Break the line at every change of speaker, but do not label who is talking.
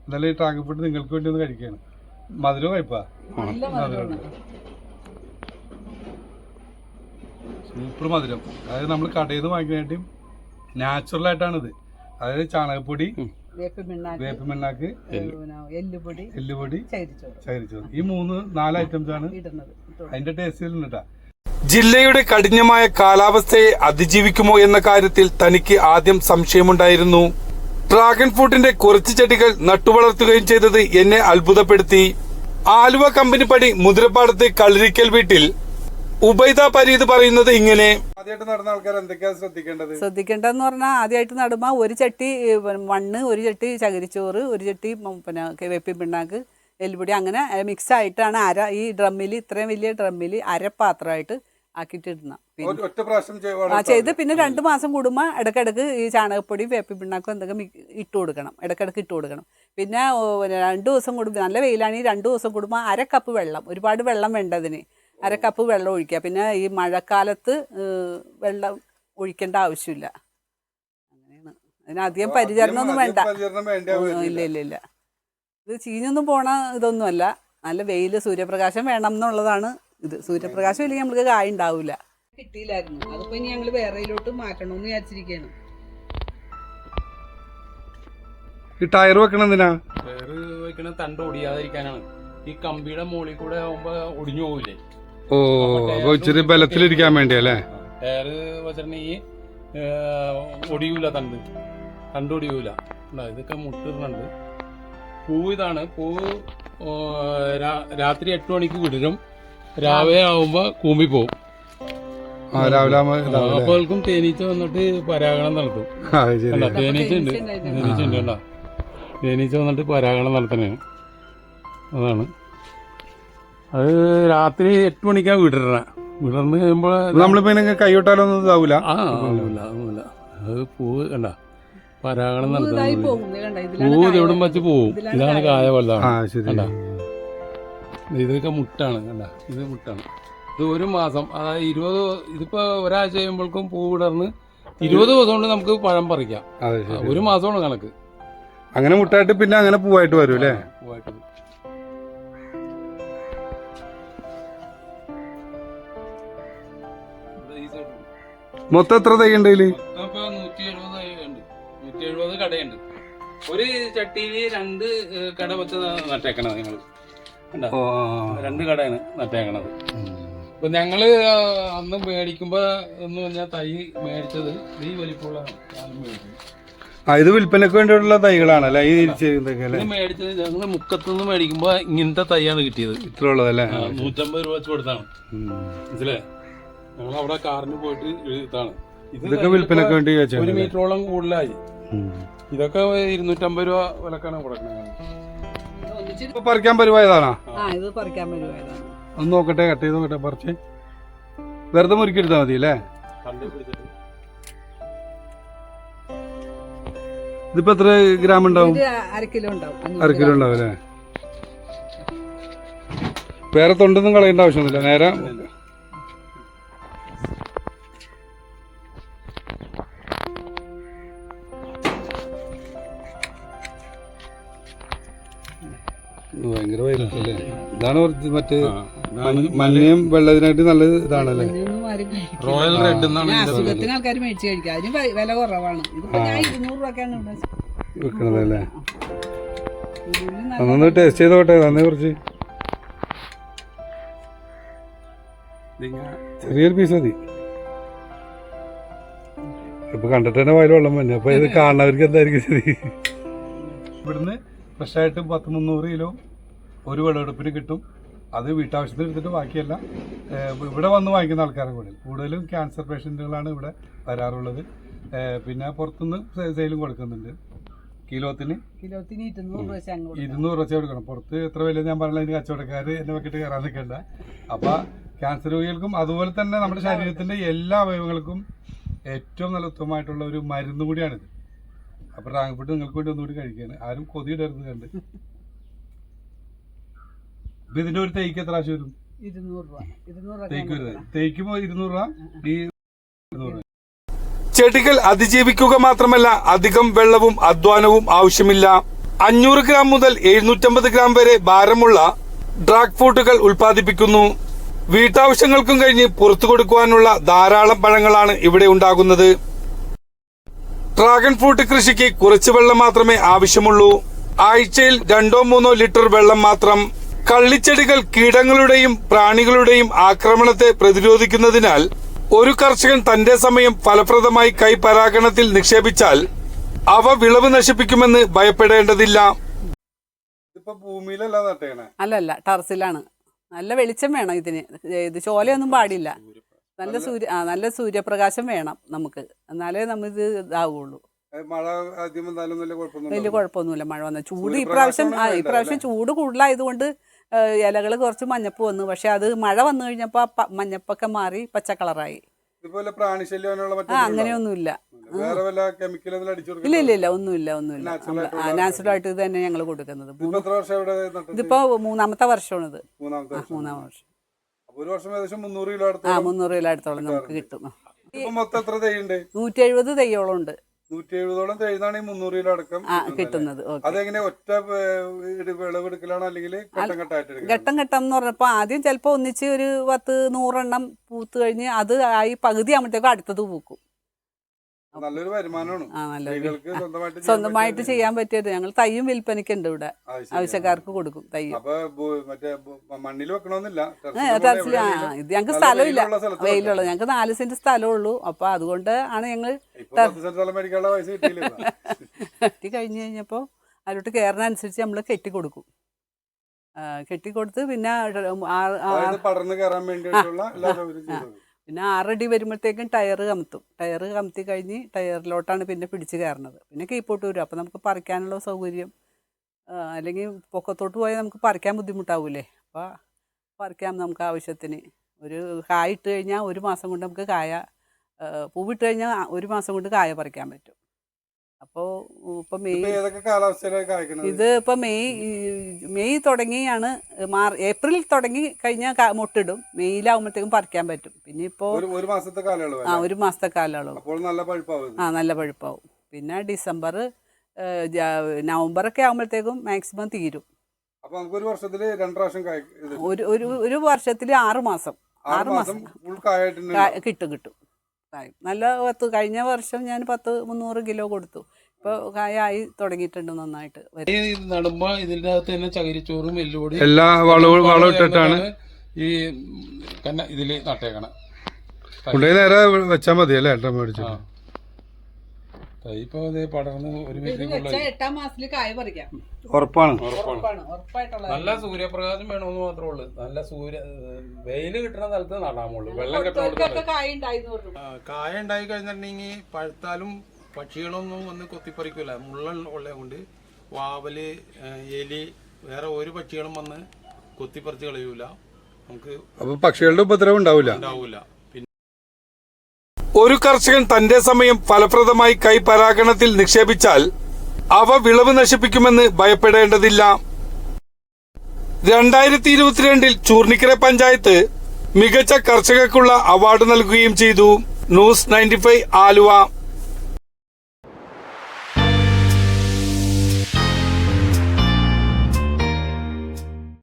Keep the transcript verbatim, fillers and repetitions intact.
എന്നാലും ഈ dragon fruit നിങ്ങൾക്ക് വേണ്ടി ഒന്ന് കഴിക്കുകയാണ്. മധുരം കഴിപ്പാ, സൂപ്പർ മധുരം. അതായത് നമ്മൾ കടയിൽ നിന്ന് വാങ്ങിക്കാനായിട്ടും നാച്ചുറൽ ആയിട്ടാണിത്. അതായത് ചാണകപ്പൊടി, വേപ്പിമണ്ണാക്ക്, എല്ലുപൊടി, ചകിരിച്ചോറ്, ഈ മൂന്ന് നാല് ഐറ്റംസ് ആണ് അതിന്റെ ടേസ്റ്റിലുണ്ടാ.
ജില്ലയുടെ കഠിനമായ കാലാവസ്ഥയെ അതിജീവിക്കുമോ എന്ന കാര്യത്തിൽ തനിക്ക് ആദ്യം സംശയമുണ്ടായിരുന്നു. ഡ്രാഗൺ ഫ്രൂട്ടിന്റെ കുറച്ച് ചെടികൾ നട്ടുവളർത്തുകയും ചെയ്തത് എന്നെ അത്ഭുതപ്പെടുത്തി. ആലുവ കമ്പനിപ്പടി മുതിരപ്പാടത്ത് കളരിക്കൽ വീട്ടിൽ ഉബൈദ പരീദ് പറയുന്നത് ഇങ്ങനെ.
ആദ്യമായിട്ട് നടന്ന ആൾക്കാർ എന്തൊക്കെയാ ശ്രദ്ധിക്കേണ്ടത്?
ശ്രദ്ധിക്കേണ്ടതെന്ന് പറഞ്ഞാൽ ആദ്യമായിട്ട് നടുമ്പോൾ ഒരു ചട്ടി മണ്ണ്, ഒരു ചട്ടി ചകിരിച്ചോറ്, ഒരു ചട്ടി പിന്നെ വേപ്പിൻ പിണ്ണാക്ക്, എല്ലുപൊടി, അങ്ങനെ മിക്സ് ആയിട്ടാണ് അര ഈ ഡ്രമ്മിൽ, ഇത്രയും വലിയ ഡ്രമ്മിൽ അരപ്പാത്രമായിട്ട് ആക്കിയിട്ട് ഇടണം. ആ ചെയ്ത് പിന്നെ രണ്ട് മാസം കൂടുമ്പോൾ ഇടയ്ക്കിടയ്ക്ക് ഈ ചാണകപ്പൊടിയും വേപ്പിൻ പിണ്ണാക്കും എന്തൊക്കെ ഇട്ട് കൊടുക്കണം, ഇടയ്ക്കിടയ്ക്ക് ഇട്ട് കൊടുക്കണം. പിന്നെ രണ്ട് ദിവസം കൂടുമ്പോൾ, നല്ല വെയിലാണെങ്കിൽ രണ്ട് ദിവസം കൂടുമ്പോൾ അര കപ്പ് വെള്ളം, ഒരുപാട് വെള്ളം വേണ്ടതിന് അര കപ്പ് വെള്ളം ഒഴിക്കുക. പിന്നെ ഈ മഴക്കാലത്ത് വെള്ളം ഒഴിക്കേണ്ട ആവശ്യമില്ല. അങ്ങനെയാണ്. അതിനധികം പരിചരണം ഒന്നും വേണ്ട. ഇല്ല ഇല്ല ഇല്ല ഇത് ചീഞ്ഞൊന്നും പോണ ഇതൊന്നുമല്ല. നല്ല വെയിൽ, സൂര്യപ്രകാശം വേണം എന്നുള്ളതാണ് ഇത്. സൂര്യപ്രകാശം ഇല്ലെങ്കിൽ നമുക്ക് കായ ഉണ്ടാവില്ല. കിട്ടിയില്ലായിരുന്നു, അതിപ്പോ ഇനി ഞങ്ങൾ വേറെയിലോട്ട് മാറ്റണമെന്ന് വിചാരിച്ചിരിക്കുകയാണ്.
ഈ ടയർ വെക്കണം എന്തിനാ?
ടയർ വെക്കണ തണ്ട് ഒടിയാതിരിക്കാനാണ്. ഈ കമ്പിയുടെ മുകളിൽ കൂടെ ആവുമ്പോ ഒടിഞ്ഞു പോവില്ലേ?
ഓ, അപ്പൊ ഇച്ചിരി ബലത്തിലിരിക്കാൻ വേണ്ടിയല്ലേ
ടയർ വെച്ചിട്ടുണ്ടെങ്കിൽ ഒടിയൂല, തണ്ട് തണ്ട് ഒടിയൂല. ഇതൊക്കെ മുട്ടിടുന്നുണ്ട്. പൂ ഇതാണ്. പൂ രാത്രി എട്ട് മണിക്ക് വിടരും, രാവിലെ ആവുമ്പോ കൂമ്പി പോവും. അപ്പോൾക്കും തേനീച്ച വന്നിട്ട് പരാഗണം നടത്തും. തേനീച്ച ഉണ്ട്, തേനീച്ച ഉണ്ട് കേട്ടോ. തേനീച്ച വന്നിട്ട് പരാഗണം നടത്തണേ. അതാണ് അത്. രാത്രി എട്ട് മണിക്കാണ് വിടരണ. വിടർന്ന് കഴിയുമ്പോൾ
നമ്മളിപ്പോ കൈവിട്ടാലൊന്നും ഇതാവൂല.
ആ ഒന്നുമില്ല, ഒന്നുമില്ല. അത് പൂവ് കണ്ട പരാഗണം നടത്തുന്നത്. പൂവ് എവിടും വെച്ച് പോവും. ഇതാണ് കായ വലുതാണ്. ഇതൊക്കെ മുട്ടാണ് കണ്ട, ഇത് മുട്ടാണ്. ഇത് ഒരു മാസം, അതായത് ഇരുപത്, ഇതിപ്പോ ഒരാഴ്ച കഴിയുമ്പോഴേക്കും പൂ വിടർന്ന് ഇരുപത് ദിവസം കൊണ്ട് നമുക്ക് പഴം പറിക്കാം. ഒരു മാസമാണ് കണക്ക്.
അങ്ങനെ മുട്ടായിട്ട് പിന്നെ അങ്ങനെ പൂവായിട്ട് വരും അല്ലേ?
പൂവായിട്ട് വരും.
മൊത്തം എത്ര തൈ ഉണ്ട് ഇതില്?
നൂറ്റി എഴുപത് തൈ ഉണ്ട്. നൂറ്റി എഴുപത് കടയുണ്ട്. ഒരു ചട്ടിയില് രണ്ട് കട വെച്ച് നട്ടേക്കണത് ഞങ്ങള്. രണ്ട് കടയാണ് നട്ടേക്കണത്. ഇപ്പൊ ഞങ്ങള് അന്ന് മേടിക്കുമ്പോ എന്ന് പറഞ്ഞാൽ തൈ മേടിച്ചത് ഈ വലിപ്പമുള്ള
ഇത് വിൽപ്പനക്ക് വേണ്ടിയുള്ള തൈകളാണല്ലേ ഈ
മേടിച്ചത്. ഞങ്ങള് മുക്കത്തുനിന്ന് മേടിക്കുമ്പോ ഇങ്ങനത്തെ തൈയാണ് കിട്ടിയത്.
ഇത്ര ഉള്ളതല്ലേ?
നൂറ്റമ്പത് രൂപ വെച്ച് കൊടുത്താണ്. മനസ്സിലേ? ഞങ്ങൾ അവിടെ കാറിന് പോയിട്ട് ഇതാണ്.
ഇതൊക്കെ വിൽപ്പനക്ക് വേണ്ടി
ഒരു മീറ്ററോളം കൂടുതലായി. ഇതൊക്കെ ഇരുന്നൂറ്റമ്പത് രൂപ വിലക്കാണ് കൊടുക്കുന്നത്.
പറിക്കാൻ പരിവായതാണോ?
ഇത് പറിക്കാൻ പരിവായതാണ്.
ഒന്ന് നോക്കട്ടെ, കട്ട് ചെയ്ത് നോക്കട്ടെ. പറിച്ച് വെറുതെ മുറുക്കിയെടുത്താൽ മതി അല്ലേ? ഇതിപ്പോ എത്ര ഗ്രാം ഉണ്ടാവും?
അര കിലോ ഉണ്ടാവും.
അര കിലോ ഉണ്ടാവും അല്ലേ? വേറെ തൊണ്ടൊന്നും കളയേണ്ട ആവശ്യമൊന്നുമില്ല. നേരെ ഭയങ്കര വൈലല്ലേ? ഇതാണ് മറ്റേ മഞ്ഞയും വെള്ളത്തിനായിട്ട് നല്ല ഇതാണല്ലേ?
റോയൽ റെഡ്
അസുഖത്തിന് ആൾക്കാർ മേടിച്ച് കഴിക്കുക. അതിന് വില കുറവാണ്. ഞാൻ ഇരുന്നൂറ് രൂപക്കാണ്
വെക്കണതല്ലേ? അതൊന്ന് ടേസ്റ്റ് ചെയ്ത് നോട്ടെ. തന്നെ കുറച്ച് ചെറിയൊരു പീസ് മതി. ഇപ്പൊ കണ്ടിട്ട് തന്നെ വയൽ വെള്ളം മഞ്ഞ. അപ്പൊ ഇത് കാണുന്നവർക്ക് എന്തായിരിക്കും ശരി. ഇവിടുന്ന് ഫ്രഷായിട്ട് പത്ത് മുന്നൂറ് കിലോ ഒരു വിളവെടുപ്പിന് കിട്ടും. അത് വീട്ടാവശ്യത്തിന് എടുത്തിട്ട് ബാക്കിയല്ല ഇവിടെ വന്ന് വാങ്ങിക്കുന്ന ആൾക്കാരെ കൂടുതൽ കൂടുതലും ക്യാൻസർ പേഷ്യൻറ്റുകളാണ് ഇവിടെ വരാറുള്ളത്. പിന്നെ പുറത്തുനിന്ന് സെയിലും കൊടുക്കുന്നുണ്ട്. കിലോത്തിന്
കിലോത്തിന് ഇരുന്നൂറ്
ഇരുന്നൂറ് വെച്ച് കൊടുക്കണം. പുറത്ത് എത്ര വില ഞാൻ പറഞ്ഞ അതിന് കച്ചവടക്കാർ എന്നെ വെക്കിട്ട് കയറാൻ നിൽക്കണ്ട. അപ്പം ക്യാൻസർ രോഗികൾക്കും അതുപോലെ തന്നെ നമ്മുടെ ശരീരത്തിൻ്റെ എല്ലാ അവയവങ്ങൾക്കും ഏറ്റവും നല്ല ഉത്തമമായിട്ടുള്ള ഒരു മരുന്ന് കൂടിയാണിത്. അപ്പോൾ ഡ്രാഗൺ ഫ്രൂട്ട് നിങ്ങൾക്ക് വേണ്ടി ഒന്നുകൂടി കഴിക്കുകയാണ്. ആരും കൊതിയിടരുത് കണ്ട്. ഇപ്പം ഇതിൻ്റെ ഒരു തേക്ക് എത്ര ആവശ്യം വരും?
ഇരുന്നൂറ് രൂപ.
തേക്ക് വരുന്നത് തേക്കുമ്പോൾ ഇരുന്നൂറ് രൂപ. ഈ ഇരുന്നൂറ്
ചെടികൾ അതിജീവിക്കുക മാത്രമല്ല അധികം വെള്ളവും അധ്വാനവും ആവശ്യമില്ല. അഞ്ഞൂറ് ഗ്രാം മുതൽ എഴുന്നൂറ്റമ്പത് ഗ്രാം വരെ ഭാരമുള്ള ഡ്രാഗ് ഫ്രൂട്ടുകൾ ഉൽപ്പാദിപ്പിക്കുന്നു. വീട്ടാവശ്യങ്ങൾക്കും കഴിഞ്ഞ് പുറത്തു കൊടുക്കുവാനുള്ള ധാരാളം പഴങ്ങളാണ് ഇവിടെ ഉണ്ടാകുന്നത്. ഡ്രാഗൺ ഫ്രൂട്ട് കൃഷിക്ക് കുറച്ച് വെള്ളം മാത്രമേ ആവശ്യമുള്ളൂ. ആഴ്ചയിൽ രണ്ടോ മൂന്നോ ലിറ്റർ വെള്ളം മാത്രം. കള്ളിച്ചെടികൾ കീടങ്ങളുടെയും പ്രാണികളുടെയും ആക്രമണത്തെ പ്രതിരോധിക്കുന്നതിനാൽ ഒരു കർഷകൻ തന്റെ സമയം ഫലപ്രദമായി കൈപരാഗണത്തിൽ നിക്ഷേപിച്ചാൽ അവ വിളവ് നശിപ്പിക്കുമെന്ന് ഭയപ്പെടേണ്ടതില്ല.
ഭൂമിയിലല്ല നട്ടേണേ,
അല്ലല്ല ടെറസിലാണ്. നല്ല വെളിച്ചം വേണം ഇതിന്. ഇത് ചോലയൊന്നും പാടില്ല. നല്ല സൂര്യ ആ നല്ല സൂര്യപ്രകാശം വേണം നമുക്ക്, എന്നാലേ നമ്മിത് ഇതാവുള്ളൂ.
മഴ ആദ്യം വന്നാലും
വലിയ കുഴപ്പമൊന്നുമില്ല. മഴ വന്ന ചൂട് ഇപ്രാവശ്യം ആ ഇപ്രാവശ്യം ചൂട് കൂടുതലായതുകൊണ്ട് ഇലകൾ കുറച്ച് മഞ്ഞപ്പ് വന്നു. പക്ഷെ അത് മഴ വന്നു കഴിഞ്ഞപ്പോ മഞ്ഞപ്പൊക്കെ മാറി പച്ച കളറായി. ആ അങ്ങനെയൊന്നുമില്ല. ഇല്ല ഇല്ല ഇല്ല ഒന്നുമില്ല ഒന്നുമില്ല. നാച്ചുറൽ ആയിട്ട് ഇത് തന്നെ ഞങ്ങൾ കൊടുക്കുന്നത്. ഇതിപ്പോ മൂന്നാമത്തെ വർഷമാണ് ഇത്. മൂന്നാം വർഷം. ആ മുന്നൂറ് കിലോ അടുത്തോളം നമുക്ക് കിട്ടും. നൂറ്റി എഴുപത് തെയ്യോളം ഉണ്ട്.
നൂറ്റി എഴുപതോളം തേഴുന്നാണ് ഈ മുന്നൂറ് കിലോ അടക്കം
കിട്ടുന്നത്.
അതെങ്ങനെ ഒറ്റ വിളവെടുക്കലാണോ അല്ലെങ്കിൽ ഘട്ടം ഘട്ടമായിട്ട്?
ഘട്ടം ഘട്ടം എന്ന് പറഞ്ഞപ്പോ ആദ്യം ചിലപ്പോ ഒന്നിച്ച് ഒരു പത്ത് നൂറെണ്ണം പൂത്ത് കഴിഞ്ഞ് അത് ആയി പകുതി ആകുമ്പോഴത്തേക്കും അടുത്തത് പൂക്കും.
നല്ലൊരു വരുമാനമാണ്.
ആ നല്ലൊരു സ്വന്തമായിട്ട് ചെയ്യാൻ പറ്റിയത്. ഞങ്ങൾ തയ്യും വിൽപ്പനയ്ക്കുണ്ട് ഇവിടെ, ആവശ്യക്കാർക്ക് കൊടുക്കും തയ്യും.
മണ്ണിൽ വെക്കണമെന്നില്ല,
ടെറസിൽ. ആ ഇത് ഞങ്ങൾക്ക് സ്ഥലമില്ല, വെയിലുള്ളത്. ഞങ്ങൾക്ക് നാല് സെന്റ് സ്ഥലമേ ഉള്ളൂ. അപ്പൊ അതുകൊണ്ട് ആണ് ഞങ്ങൾ കെട്ടി കഴിഞ്ഞ് കഴിഞ്ഞപ്പോ അതിലോട്ട് കയറുന്നതനുസരിച്ച് നമ്മൾ കെട്ടി കൊടുക്കും. കെട്ടിക്കൊടുത്ത് പിന്നെ
പടർന്ന് കയറാൻ വേണ്ടിയിട്ടുള്ള
പിന്നെ ആറടി വരുമ്പോഴത്തേക്കും ടയർ കമത്തും. ടയർ കമത്തി കഴിഞ്ഞ് ടയറിലോട്ടാണ് പിന്നെ പിടിച്ച് കയറുന്നത്. പിന്നെ കീപ്പോട്ട് വരും. അപ്പോൾ നമുക്ക് പറിക്കാനുള്ള സൗകര്യം. അല്ലെങ്കിൽ പൊക്കത്തോട്ട് പോയാൽ നമുക്ക് പറിക്കാൻ ബുദ്ധിമുട്ടാവൂലേ. അപ്പോൾ പറിക്കാം നമുക്ക് ആവശ്യത്തിന്. ഒരു കായ ഇട്ട് കഴിഞ്ഞാൽ ഒരു മാസം കൊണ്ട് നമുക്ക് കായ, പൂവിട്ട് കഴിഞ്ഞാൽ ഒരു മാസം കൊണ്ട് കായ പറിക്കാൻ പറ്റും. അപ്പോൾ ഇപ്പം മെയ് ഇത് ഇപ്പം മെയ് മെയ് തുടങ്ങിയാണ്. മാർ ഏപ്രിൽ തുടങ്ങി കഴിഞ്ഞാൽ മുട്ടിടും. മെയ്യിലാവുമ്പോഴത്തേക്കും പറിക്കാൻ പറ്റും. പിന്നെ ഇപ്പോൾ
ഒരു മാസത്തെ കാലയളവ്.
ആ ഒരു മാസത്തെ കാലയളവ്.
ആ
നല്ല പഴുപ്പാവും. പിന്നെ ഡിസംബർ നവംബറൊക്കെ ആകുമ്പോഴത്തേക്കും മാക്സിമം തീരും. ഒരു ഒരു ഒരു വർഷത്തിൽ ആറ് മാസം ആറ് മാസം കിട്ടും കിട്ടും കായ. നല്ല പത്ത് കഴിഞ്ഞ വർഷം ഞാൻ പത്ത് മുന്നൂറ് കിലോ കൊടുത്തു. ഇപ്പോൾ കായ ആയി തുടങ്ങിയിട്ടുണ്ട് നന്നായിട്ട്.
നടുമ്പോ ഇതിൻ്റെ അകത്ത് തന്നെ ചകിരിച്ചോറും എല്ലുപൊടി
എല്ലാ വളവും വളം ഇട്ടിട്ടാണ്
ഈ കന്ന ഇതില് നട്ടേക്കണം.
നേരെ വെച്ചാൽ മതി അല്ലേ? ഏട്ടൻ മേടിച്ചു
ഇപ്പൊ പടർന്ന് ഒരു
എട്ടാം മാസത്തില് കായ പറിക്കാം.
ഉറപ്പാണ്.
നല്ല സൂര്യപ്രകാശം വേണമെന്ന് മാത്രമേ ഉള്ളൂ. നല്ല സൂര്യ വെയില് കിട്ടുന്ന സ്ഥലത്ത് നടാമുള്ളൂ. വെള്ളം കിട്ടുന്ന കായ ഉണ്ടായി കഴിഞ്ഞിട്ടുണ്ടെങ്കിൽ പഴുത്താലും പക്ഷികളൊന്നും വന്ന് കൊത്തിപ്പറിക്കൂല. മുള്ള ഉള്ളത് കൊണ്ട് വാവല്, എലി, വേറെ ഒരു പക്ഷികളും വന്ന് കൊത്തിപ്പറിച്ച് കളയൂല. നമുക്ക്
അപ്പൊ പക്ഷികളുടെ ഉപദ്രവം ഉണ്ടാവില്ല
ഉണ്ടാവൂല.
ഒരു കർഷകൻ തന്റെ സമയം ഫലപ്രദമായി കൈപരാഗണത്തിൽ നിക്ഷേപിച്ചാൽ അവ വിളവ് നശിപ്പിക്കുമെന്ന് ഭയപ്പെടേണ്ടതില്ല. രണ്ടായിരത്തി ഇരുപത്തിരണ്ടിൽ ചൂർണിക്കര പഞ്ചായത്ത് മികച്ച കർഷകർക്കുള്ള അവാർഡ് നൽകുകയും ചെയ്തു. News ninety five Aluva.